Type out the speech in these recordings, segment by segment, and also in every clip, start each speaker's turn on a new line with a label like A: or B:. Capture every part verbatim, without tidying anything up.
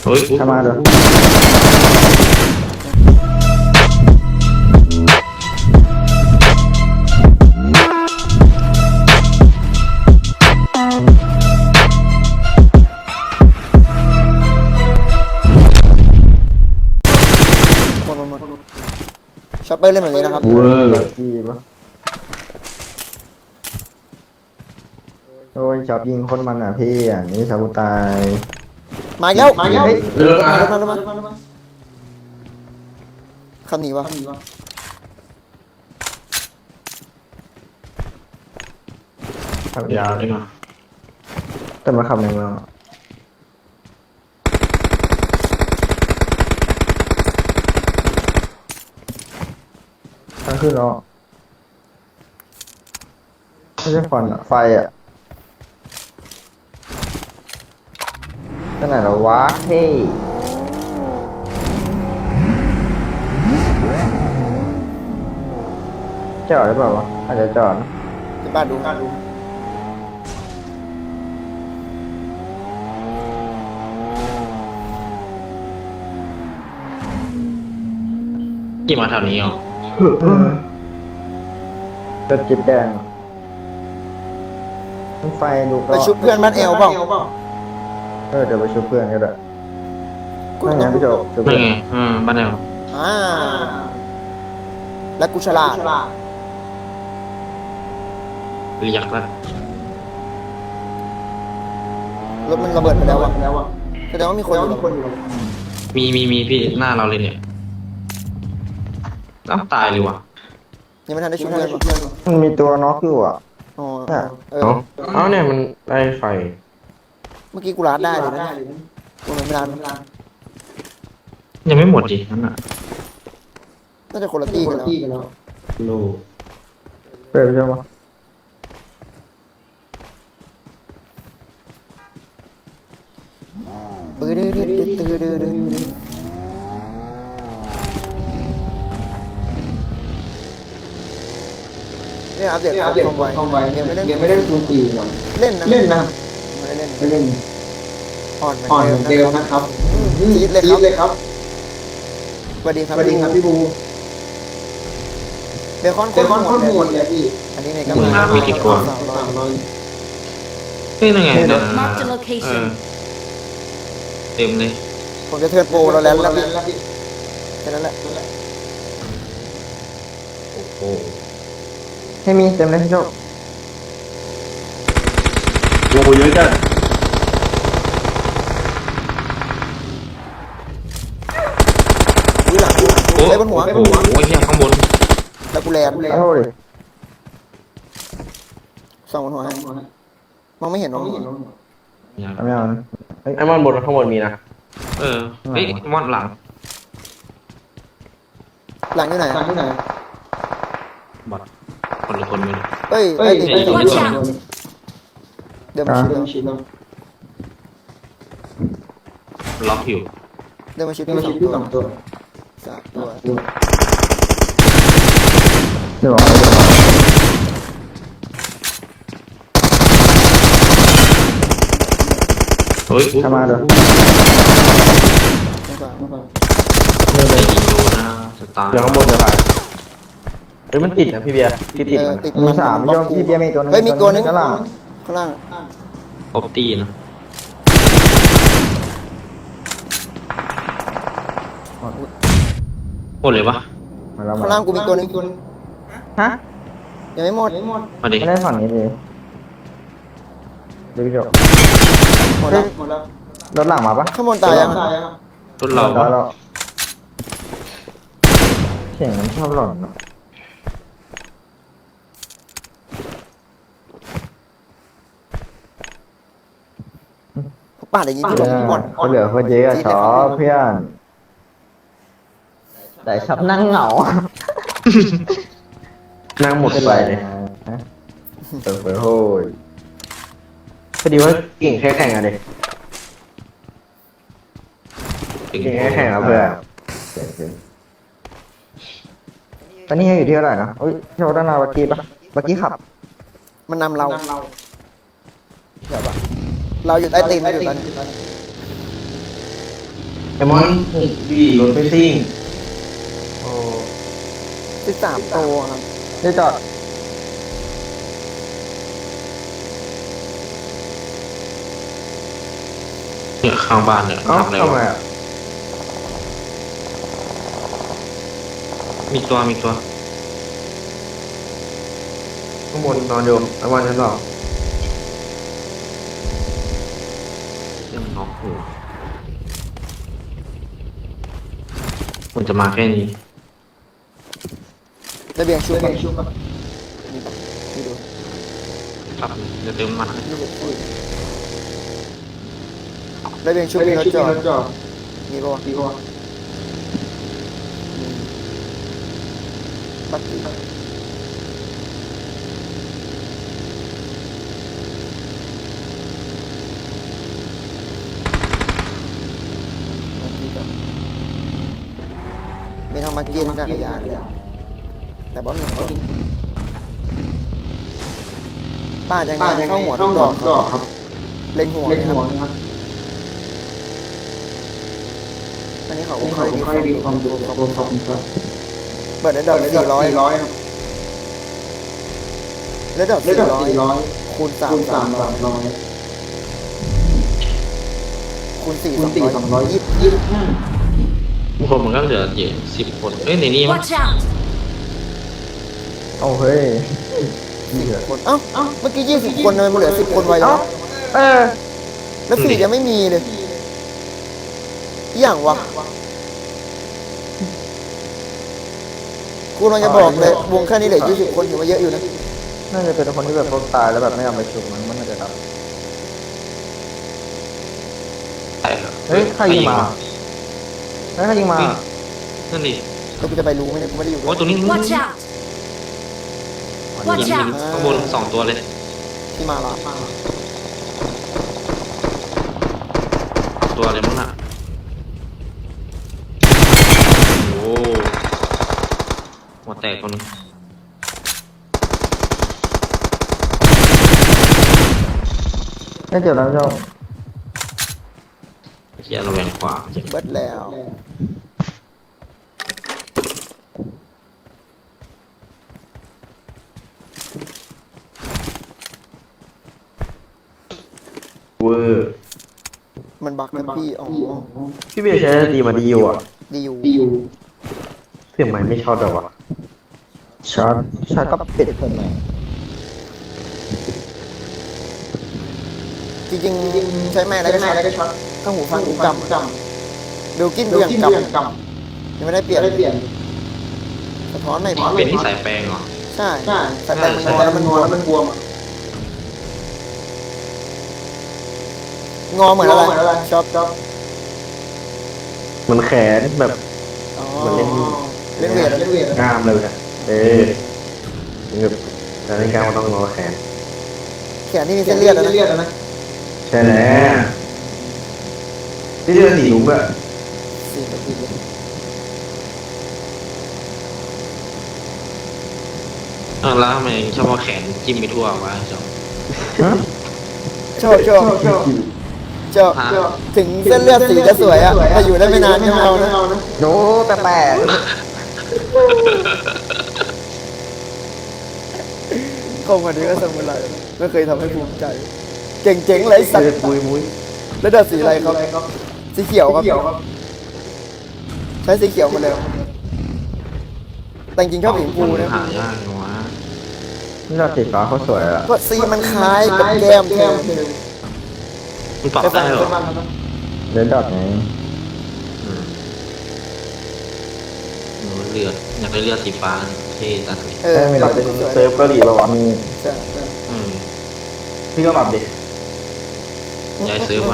A: เฮ้ย
B: ทำมาเดี๋ยว
C: หมดหมดหมดช็อปเปอร์เล่นแบบนี้นะครับ
B: เวอร์จีปะโอ้ยชอบยิงคนมันอ่ะพี่อ่ะนี่ชาวกูตาย
C: มาแล้วมาแล้ว
A: เลิกอ่ะ
C: มาแล้วมาคำหนีวะ
B: ขับ
A: ยาย
B: าว ว
A: เลยนะ
B: แต่มาขับในเมืองทางขึ้นแล้วไม่ใช่ฟันอ่ะไฟอ่ะที่ไหนแล้ววะเฮ้ยจอดหรือเปล่าวะอาจจะจอดนะ
C: เดี๋ยวบ้านดูบ้านดู
A: กี่มาแถวนี้เหรอ
B: รถจิ๊บแดงไฟดูก็
C: ไปชุบเพื่อนบ้านเอลเปล่า
B: เออเดี๋ยวไปชุบเพื่อนก็ได้
C: กู
B: นั่นไงพี่โจชุบ
A: นั่
B: เพื่
A: น
B: อน
A: ไงอืมบ้านแนว
C: อ่าและกูฉลาด
A: เรียกแล้ว
C: รถมันระเบิดไปแล้วอะแสดงว่ามีคนอยู่
A: มีมีมีพี่หน้าเราเลยเนี่ยต้องตายเลยว่ะ
C: ยังไม่ทันได้ชุบเพื่อน
B: มันมีตัวน็อกอยู่อ่ะ
C: อ๋อ
B: น่ะ
C: เออ
A: เอ้าเอ้าเนี่ยมันไล่ไฟ
C: เมื่อกี้กูร้านได้เลยนะกูไม่ร้าน
A: ยังไม่หมดดินั่นน่ะ
C: น่าจะคนละตีกันแล้ว
A: โล
B: เปิดไปใช่ไหม
C: ปื้อดื้อดื้อดื้อดื้อดื้อดื้อเนี่ยอัปเดตความไวยังไม่ได้
D: ยังไม่ได้ดูปีหรอก
C: เล่นนะ
D: เล่นนะ
C: ไม่ได้เล่น
D: ไม่เล่น
C: อ่อนเหมือน
D: อ่อนเหมือน
C: เดิ
D: เดิ
C: ม
D: ม
C: นะ
D: นะครับ
C: จี๊ดเลย
D: จี๊ดเลยครับ
C: สวัสดีครับ
D: สวัสดีครับพี่บู
C: เบคอนโค
D: เป็น
C: ต
D: คอนข้อ
C: ร
D: มู
C: โห
D: ล
C: ด
D: เลยพี่
C: อันนี้ในกระ
A: มึง
C: เป๋า
A: น้ำมีกี่ตัว
C: สามร้อย
D: สามร้อย
A: เฮ้ยนั่นไงนะ
E: Marked a
A: เอ
E: location
A: อเต็มเลย
C: ผมจะเทิร์นโปรเราแล้วแล้ว
D: แล้วพี่
C: แค่นั้นแหละ
A: โอ้โห
B: ให้มีเต็มเลยพี่โจ
A: โอ้เยอะจัด
C: อุ้ยหลังกู
A: โอ้
C: เลยบนหัว
A: โอ้โหเฮียข้างบน
C: แล้วกูแลน
B: โอ้โหดิ
C: สองบนหัวให้มองไม่เห็นมองไม่เห็น
A: ยัง
B: ทำยังไงเฮ้ย
F: ไอ้มอนบนข้างบนมีนะ
A: เออเฮ้ยมอนหลัง
C: หลังอยู่ไหน
D: ทางที่ไหน
A: บอดคนละคนไม่รู้
C: เฮ้ย
D: เฮ้
C: ไอ้
D: ย
C: ดิ
D: ไอ้
C: เดิน
D: ตัว
C: มา
D: นี้
C: ชิด
D: โดน
C: เดินมาชิด
D: เดินชิดแล้ว
A: ล็อกอยู่
C: เดินมาชิด
D: เดินชิดที่สองตัว
C: สามตัว
B: เดี๋ยวบอกให้เดี๋ยวบอก
A: เฮ้ย
B: ทำมาเดี๋ยว
C: ไม่ฟัง
A: ไอ้ยิงดูนะสตาร์
F: เดี๋ยวข้างบนจะผ่านเฮ้ยมันติดนะพี่เบียร์ที่ติด
C: เออ
F: มัน
C: ติด
B: มีสามพี่โจพี่เบียร์มีตัวนึง
C: เฮ้ยมีตัวนึง
B: ข้างล่าง
C: ข้างล่าง
A: ครบตีนะหมดเลยวะ
B: มาแล้วมา
C: ข้าง
B: แล้
C: ล่าง
B: ว
C: กูมีตัวนึง
B: ฮะ
C: ยังไม่หมด
A: มาดิ
B: ไม่ได้ฝั่งนี้เลยเดี๋ยวพี่โจ
C: หมดแล้ว
D: หมดแล้ว
B: รถหลังมาปะ
C: ข้างบนตายยัง
D: ตายยัง
A: รถเรา
B: ตา
A: ปะ
B: ยแล้วเสียงมันชอบหล่อนเนาะ
C: ปาดอย่างนี้
B: เอ
C: ที่
B: อ
C: หมด
B: เขาเหลือคนเยอะอะชอบเพื่อนแต่ชอบนั่งเหงา
F: นั่งหมดไปเลย
B: เปิดเผยโฮ้ย
F: พอดีว่าเก่งแค่แข่งอะเด็ก
A: ถึง
F: เก่งแค่แข่งอะเพื่อน
B: ตอนนี้อยู่ที่เท่าไหร่นะอุ้ยโชว์ด้านหน้าบักกี้ปะบักกี้ขับ
C: มันนำเราเดี๋ยวปะเราอยู่ใต้ตีนไม่อยู่ตอนนี้
F: ไอมอนพี่รถไปซิ่งโอ้
C: สิบสามตัวครับ
B: เดี๋ยวจอด
A: เนี่ยข้างบ้านเนี่ย
F: เอ้า
A: ทำอะไร
F: ทำไม
A: วะ
F: อ่ะ
A: มีตัวมีตัว
F: ข้างบนนอนอยู่ไอมอนชั้นสอง
A: เรื่องน็อกหัวมันจะมาแค่นี้
C: ระเบียงชุบระเบียงชุบนี่นี่ดู
A: ครับจะเติมมันให้
C: นี่ดูอุ้ยระเบียงชุบมีรถจอดมีป่ะมีป่ะปักกี้มีทางมากินจักรยานเลยแต่บอลหนึ่งป้าจะงานเข้าหัวทุกดอกครับเล็งหัวเล็งหัวนะครับอันนี้เขาค่อยมีความดูขอบคุณครับเปิดได้ดอกสี่ร้อยแล้วดอกสี่ร้อยคูณสามสามร้อยคูณสี่สองร้อยยี่สิบยี่สิบห้า
A: บางคนมันก็เหลือเยอะสิบคนเอ้ยในนี้มั้ง
D: Watch out!
B: เอาเฮ้ย
C: คนเอ้าเอ้าเมื่อกี้ยี่สิบคนทำไมมันเหลือสิบคนไว้แล้ว
B: เออ
C: แล้วสี่ยังไม่มีเลยอย่างวะกูกำลังจะบอกเลยวงแค่นี้เหลือยี่สิบคนถือว่าเยอะอยู่นะ
B: น่าจะเป็นคนที่แบบเขาตายแล้วแบบไม่เอาไปชุบมันมันน่าจะดับ
A: ใช่ครับ
B: เฮ้ยใครยิงมาเฮ้ยใครยิงมา
A: นั่นดิ
C: แล้วกูจะไปรู้ไหมเนี่ยกูไม่ได้อยู่ด้ว
A: โอ้
C: ย
A: ยตัวนี้
D: Watch out!
A: ยิ
D: Watch
A: ง
D: out!
A: ข้างบนสองตัวเลย
C: ที่มาละ
A: ตัวอะไรมั้งน่ะโอ้หัวแตกคนนึง
B: ไม่เจ็บแล้วเจ้า
A: เฮียเราแหวงขวา
C: เบิดแล้ว
F: เวอร์
C: มันบักนะพี่อ๋อ
F: พี่เบียร์ใช้ดีมาดีอยู่อ่ะ
C: ดีอยู่
F: เสียงใหม่ไม่ชอบแบบว่ะ
B: ช็อตช็อตก็ปิดคนไหน
C: จริงๆใช้แม่แล้วก็ช็อตข้างหูฟังกูกำเบลกินกูยังกำยังไม่ได้เปลี่ยนสะท้อนไม่พอ
A: เป็นที่สายแปลงเหรอ
C: ใช่แต่แปลงมันงอแล้วมันงอแล้วมันบวมงอเหมือนอะไรช็อปช็อป
F: มันแขนแบบ
C: อ๋อ
F: เหมือนเล่น
C: เล่นเวทเล่นเวท
F: งามเลยนะเออแบบแต่ในการมันต้องงอแขน
C: แขนที่มีเส้นเลือดนะ
F: ใช่แล้วที่เลือดสีลุ้งอะ
C: สี่นาที
A: อ้าวแล้วทำไมชอบเอาแขนจิ้มไปทั่ววะจอม
C: ชอบชอบชอบชอบถึงเส้นเลือดสีจะสวยอะแต่อยู่ได้ไม่นานไม่เอานะ
B: โน้แปลก
C: เข้ามาดีก็สมุไรไม่เคยทำให้ภูมิใจ เก่งๆไรสัต
F: เลือด
C: ว์
F: ปุยมุ้ย
C: แล้วดัดสีอะไรครับสีเขียวครับใช้สีเขียวมาเลยแต่จริงๆชอบสีชมพูนะ
A: หายากจังวะ
B: ๆนี่เราสีฟ้าเขาสวยอะ
C: เพราะสีมันคล้ายกับแก้มเธอ
A: มันปรับได้เหรอ
B: เดินดอดไง
A: อืมหนูเลือดอยากได้เลือดสีฟ้าเท่จังเลย
C: เออ
F: ปรับเป็นเซิร์ฟเกาหลีป่าวะ
B: มี
C: ใช่
A: อืม
F: พี่ก็ปรับดิ
A: ยายซื้อมัน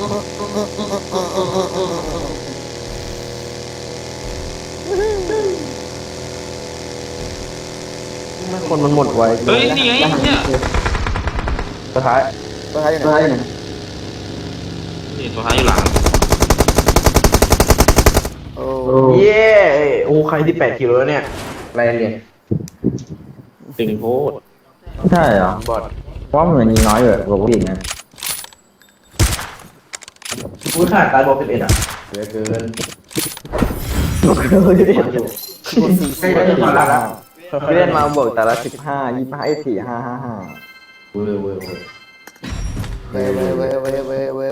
F: คนมันหมดไว
A: เฮ้ยนี่ไงเนี่ย
F: สุดท้าย
C: ตัวท้ายอยู่ไหน
A: นี่ตัวท้ายอยู่หลัง
C: โอ้
F: เย้โอ้ใครที่แปดกิโลแล้วเนี่ยอะไรเนี่ย
A: ตึงโพด
B: ใช่เหรอบ
F: อด
B: เพราะว่ามันยิงน้อยอยู่กว่าผู้หญิงนะ
A: อุ้ยขาดตายบอกสิบเอ็ดอ่ะ
F: เยอะเกิน
B: ใกล้ได้ถึงแล้วละพี่เล่นมาบวกแต่ละสิบห้ายี่สิบห้าไอ้สี่ห้าห้าห้า
F: เว้ยเว้ยเว้ย
C: เว้ยเว้ยเว้ยเว้ยเว้ยเว้ย